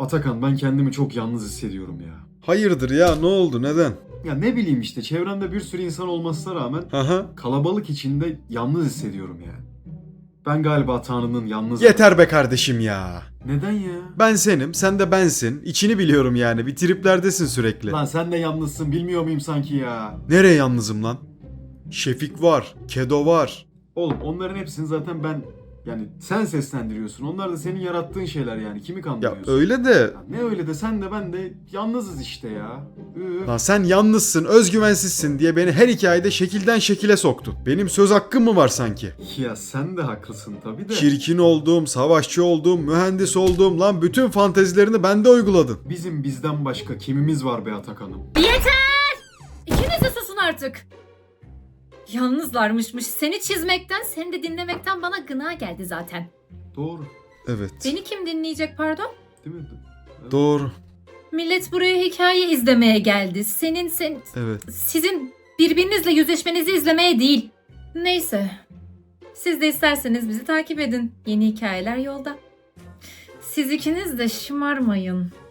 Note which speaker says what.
Speaker 1: Atakan, ben kendimi çok yalnız hissediyorum ya.
Speaker 2: Hayırdır ya, ne oldu, neden?
Speaker 1: Ya ne bileyim işte, çevremde bir sürü insan olmasına rağmen
Speaker 2: Haha.
Speaker 1: kalabalık içinde yalnız hissediyorum yani. Ben galiba Tanrı'nın yalnız...
Speaker 2: Yeter be kardeşim ya.
Speaker 1: Neden ya?
Speaker 2: Ben senim, sen de bensin. İçini biliyorum yani, bir triplerdesin sürekli.
Speaker 1: Lan sen de yalnızsın, bilmiyor muyum sanki ya?
Speaker 2: Nereye yalnızım lan? Şefik var, Kedo var.
Speaker 1: Oğlum onların hepsini zaten ben... Yani sen seslendiriyorsun. Onlar da senin yarattığın şeyler yani. Kimi
Speaker 2: Ya
Speaker 1: kandırıyorsun?
Speaker 2: öyle de...
Speaker 1: Ya ne öyle de, sen de ben de yalnızız işte ya.
Speaker 2: Lan sen yalnızsın, özgüvensizsin diye beni her hikayede şekilden şekile soktun. Benim söz hakkım mı var sanki?
Speaker 1: Ya sen de haklısın tabii de.
Speaker 2: Çirkin olduğum, savaşçı olduğum, mühendis olduğum, lan bütün fantezilerini bende uyguladın.
Speaker 1: Bizim bizden başka kimimiz var be Atakan'ım?
Speaker 3: Yeter! İkiniz de susun artık. Yalnızlarmışmış. Seni çizmekten, seni de dinlemekten bana gına geldi zaten.
Speaker 1: Doğru.
Speaker 2: Evet.
Speaker 3: Beni kim dinleyecek pardon?
Speaker 1: Değil mi?
Speaker 2: Doğru.
Speaker 3: Millet buraya hikaye izlemeye geldi.
Speaker 2: Evet.
Speaker 3: Sizin birbirinizle yüzleşmenizi izlemeye değil. Neyse. Siz de isterseniz bizi takip edin. Yeni hikayeler yolda. Siz ikiniz de şımarmayın.